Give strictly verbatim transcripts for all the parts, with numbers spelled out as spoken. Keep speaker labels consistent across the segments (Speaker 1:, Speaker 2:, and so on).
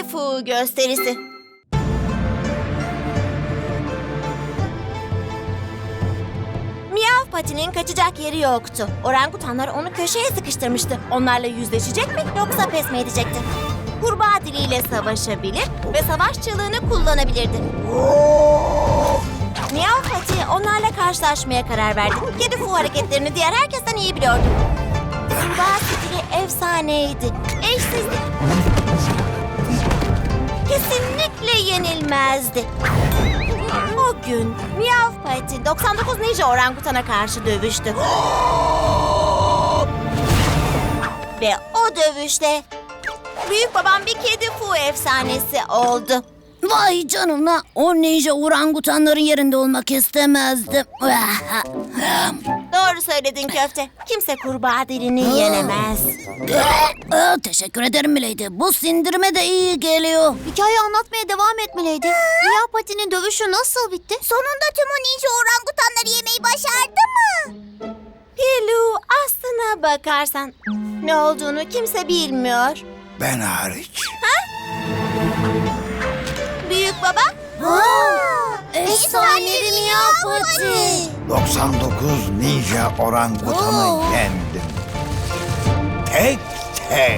Speaker 1: Kedi Fu gösterisi. Miyav Pati'nin kaçacak yeri yoktu. Orangutanlar onu köşeye sıkıştırmıştı. Onlarla yüzleşecek mi yoksa pes mi edecekti? Kurbağa diliyle savaşabilir ve savaş çığlığını kullanabilirdi. Miyav Pati onlarla karşılaşmaya karar verdi. Kedi Fu hareketlerini diğer herkesten iyi biliyordu. Kurbağa stili efsaneydi. Eşsizdi. Kesinlikle yenilmezdi. O gün Miyav Pati doksan dokuz ninja orangutana karşı dövüştü. Ve o dövüşte büyük babam bir Kedi Fu efsanesi oldu.
Speaker 2: Vay canına, o ninja orangutanların yerinde olmak istemezdim.
Speaker 1: Doğru söyledin köfte. Kimse kurbağa dilini yenemez.
Speaker 2: Aa, teşekkür ederim Milady. Bu sindirme de iyi geliyor.
Speaker 3: Hikaye anlatmaya devam etmeliydi. Miyav Pati'nin dövüşü nasıl bitti?
Speaker 4: Sonunda tüm o ninja orangutanları yemeyi başardı mı?
Speaker 1: Pilu, aslına bakarsan ne olduğunu kimse bilmiyor.
Speaker 5: Ben hariç.
Speaker 1: Büyük baba?
Speaker 2: Efsanevi Miyav Pati.
Speaker 5: doksan dokuz ninja orangutanı
Speaker 2: Oo.
Speaker 5: yendim. Tek tek.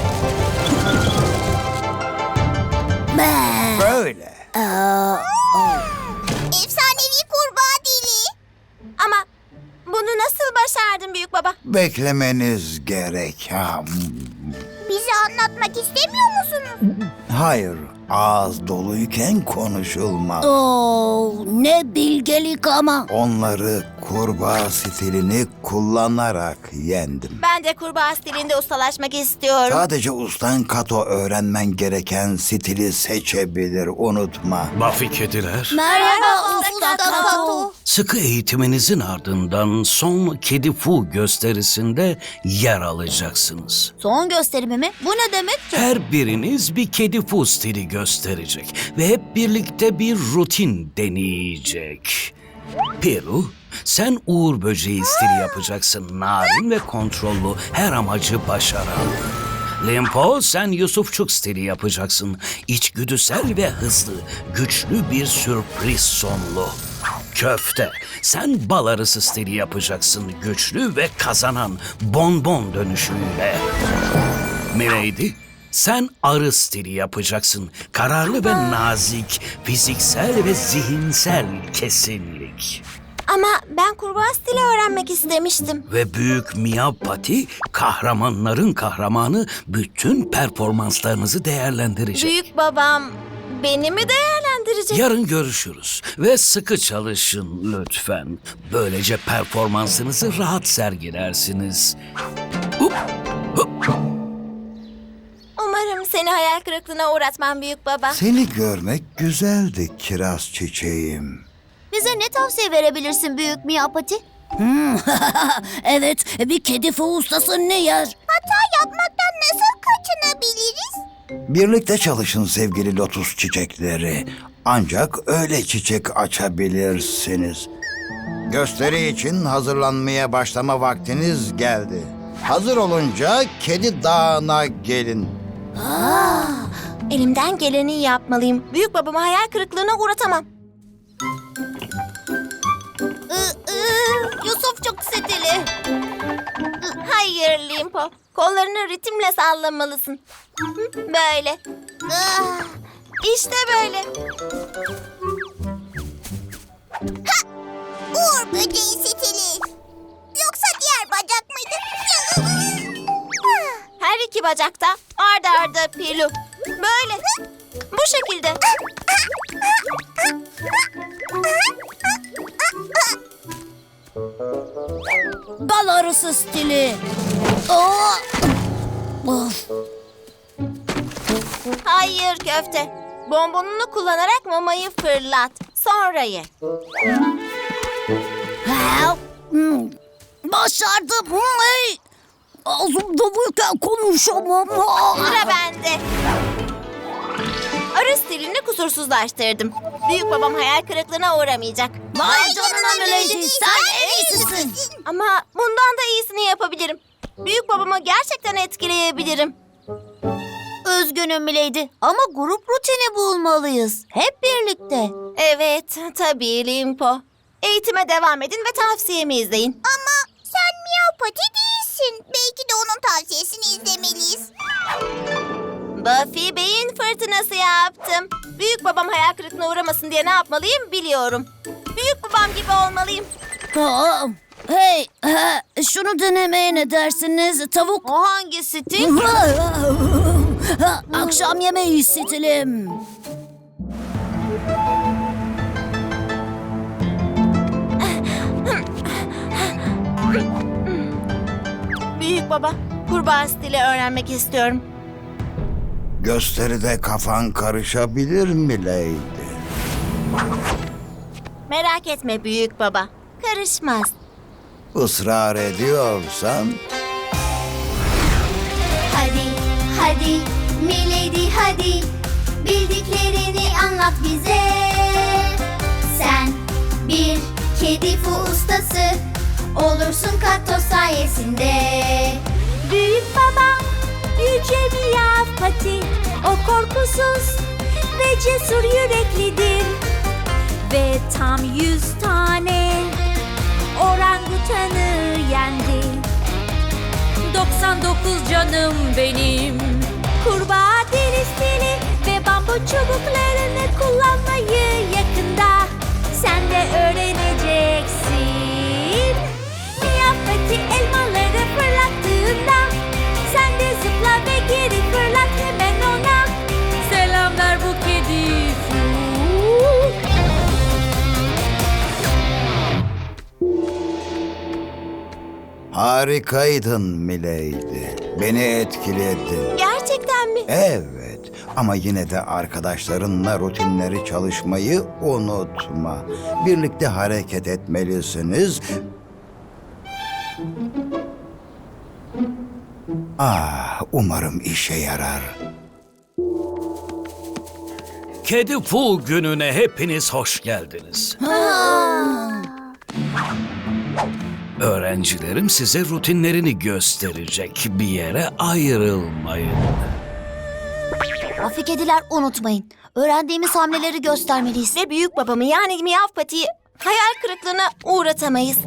Speaker 2: Be.
Speaker 5: Böyle.
Speaker 2: Aa,
Speaker 4: Efsanevi kurbağa dili.
Speaker 1: Ama bunu nasıl başardın büyük baba?
Speaker 5: Beklemeniz gerek. Ha,
Speaker 4: Bize anlatmak istemiyor musunuz?
Speaker 5: hayır, ağız doluyken konuşulmaz.
Speaker 2: oo, ne bilgelik ama.
Speaker 5: Onları kurbağa stilini kullanarak yendim.
Speaker 1: Ben de kurbağa stilinde ustalaşmak istiyorum.
Speaker 5: Sadece ustan Kato öğrenmen gereken stili seçebilir, unutma.
Speaker 6: Buffy kediler,
Speaker 2: Merhaba
Speaker 1: Usta
Speaker 2: Usta Kato.
Speaker 6: sıkı eğitiminizin ardından son Kedi Fu gösterisinde yer alacaksınız.
Speaker 3: Son gösterimi mi? Bu ne demek ki?
Speaker 6: Her biriniz bir Kedi Fu stili gösterecek ve hep birlikte bir rutin deneyecek. Piru, sen Uğur Böceği stili yapacaksın, narin ve kontrollü, her amacı başaran. Limpo, sen Yusufçuk stili yapacaksın, içgüdüsel ve hızlı, güçlü bir sürpriz sonlu. Köfte, sen bal arısı stili yapacaksın, güçlü ve kazanan, bonbon dönüşüyle. Milady, sen arı stili yapacaksın, kararlı ve nazik, fiziksel ve zihinsel kesinlik.
Speaker 1: Ama ben kurbağa stili öğrenmek istemiştim.
Speaker 6: Ve büyük Miyav Pati, kahramanların kahramanı, bütün performanslarınızı değerlendirecek.
Speaker 1: Büyük babam beni mi değerlendirecek?
Speaker 6: Yarın görüşürüz ve sıkı çalışın lütfen. Böylece performansınızı rahat sergilersiniz. Hup, hup.
Speaker 1: Umarım seni hayal kırıklığına uğratmam büyük baba.
Speaker 5: Seni görmek güzeldi kiraz çiçeğim.
Speaker 3: Bize ne tavsiye verebilirsin büyük Miyav Pati?
Speaker 2: Hmm, evet, bir Kedi Fu ustası ne yer?
Speaker 4: Hata yapmaktan nasıl kaçınabiliriz?
Speaker 5: Birlikte çalışın sevgili lotus çiçekleri. Ancak öyle çiçek açabilirsiniz. Gösteri için hazırlanmaya başlama vaktiniz geldi. Hazır olunca Kedi Dağı'na gelin.
Speaker 1: Elimden geleni yapmalıyım. Büyük babamı hayal kırıklığına uğratamam.
Speaker 3: Yusufçuk stili.
Speaker 1: Hayır Limpo. Kollarını ritimle sallamalısın. Hı, Böyle. İşte böyle.
Speaker 4: Uğur böceği stili. Yoksa diğer bacak mıydı?
Speaker 1: Her iki bacakta arda arda Pilu. Böyle. Bu şekilde.
Speaker 2: Bal arısı stili. Aa! Of.
Speaker 1: Hayır köfte. Bonbonunu kullanarak mamayı fırlat. Sonra ye.
Speaker 2: Ha, hmm, başardım. Hey. Ağzımda buyken konuşamam.
Speaker 1: Sıra bende. Arı stilini kusursuzlaştırdım. Büyük babam hayal kırıklığına uğramayacak.
Speaker 2: Vay canına Milady, sen en iyisisin.
Speaker 1: Ama bundan da iyisini yapabilirim. Büyük babamı gerçekten etkileyebilirim.
Speaker 3: Ee, üzgünüm Milady ama grup rutini bulmalıyız. Hep birlikte.
Speaker 1: Evet, tabii Limpo. Eğitime devam edin ve tavsiyemi izleyin.
Speaker 4: Ama sen Miyav Pati değilsin. Belki de onun tavsiyesini izlemeliyiz.
Speaker 1: Buffy beyin fırtınası yaptım. Büyük babam hayal kırıklığına uğramasın diye ne yapmalıyım biliyorum. Büyük babam gibi olmalıyım.
Speaker 2: Aa, hey, ha, şunu denemeye ne dersiniz? Tavuk.
Speaker 3: O hangisi Tim?
Speaker 2: Ha, akşam yemeği istedim.
Speaker 1: Büyük baba, kurbağa stili öğrenmek istiyorum.
Speaker 5: Gösteride kafan karışabilir mi Lady?
Speaker 1: Merak etme büyük baba, karışmaz.
Speaker 5: Israr ediyorsan
Speaker 4: Hadi, hadi, Milady hadi. Bildiklerini anlat bize. Sen bir kedi fu ustası olursun Kato sayesinde. Büyük babam yüce Miyav Pati. O korkusuz ve cesur yüreklidir. Ve tam yüz tane orangutanı yendi.
Speaker 7: doksan dokuz canım benim.
Speaker 4: Kurbağa dili stili ve bambu çubuklarını kullanmayı yakında sen de öğreneceksin. Miyav Pati elmaları fırlattığında sen de zıpla ve geri fırlat hemen ona.
Speaker 7: Selamlar bu kedi.
Speaker 5: harikaydın Milady. Beni etkiledin.
Speaker 1: Gerçekten mi?
Speaker 5: Evet ama yine de arkadaşlarınla rutinleri çalışmayı unutma. Birlikte hareket etmelisiniz. Ah, umarım işe yarar.
Speaker 6: Kedi Fu gününe hepiniz hoş geldiniz. Öğrencilerim size rutinlerini gösterecek. Bir yere ayrılmayın.
Speaker 3: Buffy kediler unutmayın. Öğrendiğimiz hamleleri göstermeliyiz.
Speaker 1: Ve büyük babamı yani Miyav Pati'yi hayal kırıklığına uğratamayız.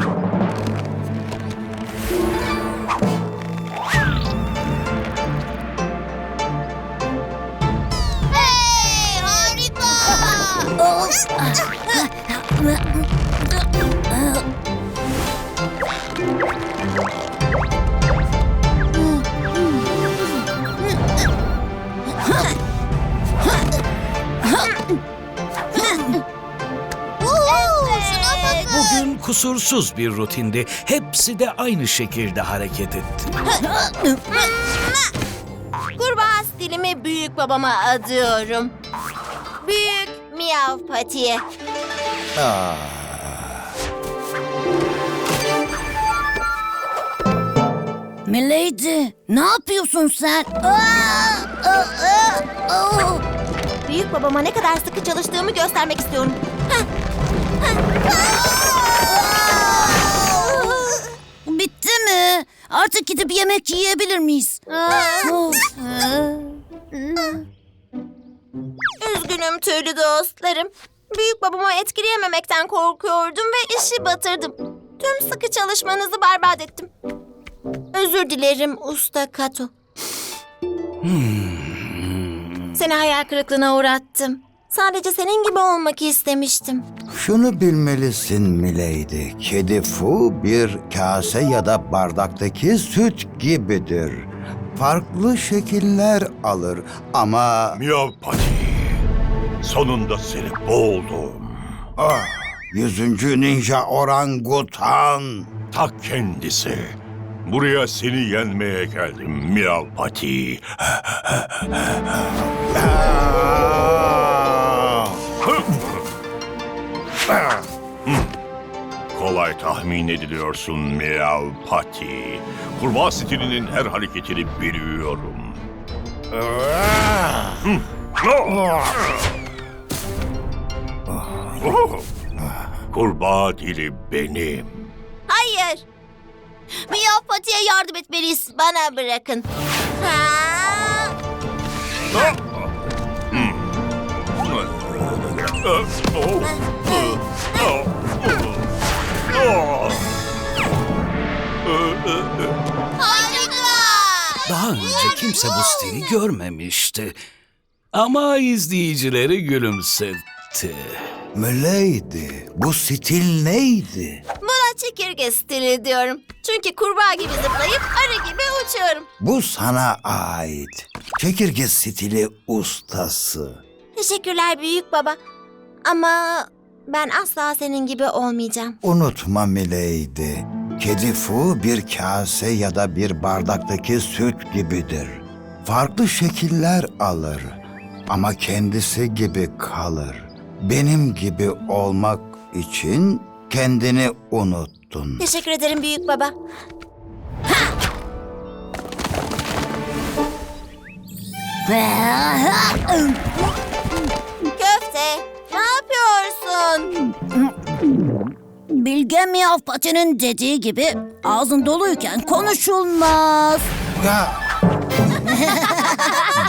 Speaker 4: Hey, harika!
Speaker 6: Bugün kusursuz bir rutindi. Hepsi de aynı şekilde hareket etti.
Speaker 1: Kurbağa stilimi büyük babama adıyorum. Büyük Miyav Pati'ye.
Speaker 5: Ah.
Speaker 2: Milady, ne yapıyorsun sen? Aa, aa, aa, aa.
Speaker 1: Büyük babama ne kadar sıkı çalıştığımı göstermek istiyorum. Heh.
Speaker 2: Bitti mi? Artık gidip yemek yiyebilir miyiz? Oh.
Speaker 1: Üzgünüm tüylü dostlarım. Büyük babamı etkileyememekten korkuyordum ve işi batırdım. Tüm sıkı çalışmanızı berbat ettim. Özür dilerim Usta Kato. Seni hayal kırıklığına uğrattım. Sadece senin gibi olmak istemiştim.
Speaker 5: Şunu bilmelisin Milady. Kedi Fu bir kase ya da bardaktaki süt gibidir. Farklı şekiller alır ama...
Speaker 8: Miyav Pati, sonunda seni buldum.
Speaker 5: Ah, yüzüncü ninja orangutan.
Speaker 8: Ta kendisi. Buraya seni yenmeye geldim Miyav Pati. Kolay tahmin ediliyorsun Miyav Pati. Kurbağa stilinin her hareketini biliyorum. Kurbağa dili benim.
Speaker 1: Hayır,
Speaker 3: Miyav Pati'ye yardım etmeliyiz.
Speaker 1: bana bırakın. Ha!
Speaker 6: Daha önce kimse bu stili görmemişti. Ama izleyicileri gülümsetti.
Speaker 5: Milady, bu stil neydi?
Speaker 1: Buna çekirge stili diyorum. Çünkü kurbağa gibi zıplayıp arı gibi uçuyorum.
Speaker 5: Bu sana ait. Çekirge stili ustası.
Speaker 1: Teşekkürler büyük baba. Ama ben asla senin gibi olmayacağım.
Speaker 5: Unutma Milady, kedi Fu bir kase ya da bir bardaktaki süt gibidir. Farklı şekiller alır ama kendisi gibi kalır. Benim gibi olmak için kendini unuttun.
Speaker 1: Teşekkür ederim büyük baba. Köfte, ne yapıyorsun?
Speaker 2: Bilge Miyav Pati'nin dediği gibi ağzın doluyken konuşulmaz.
Speaker 5: Ya,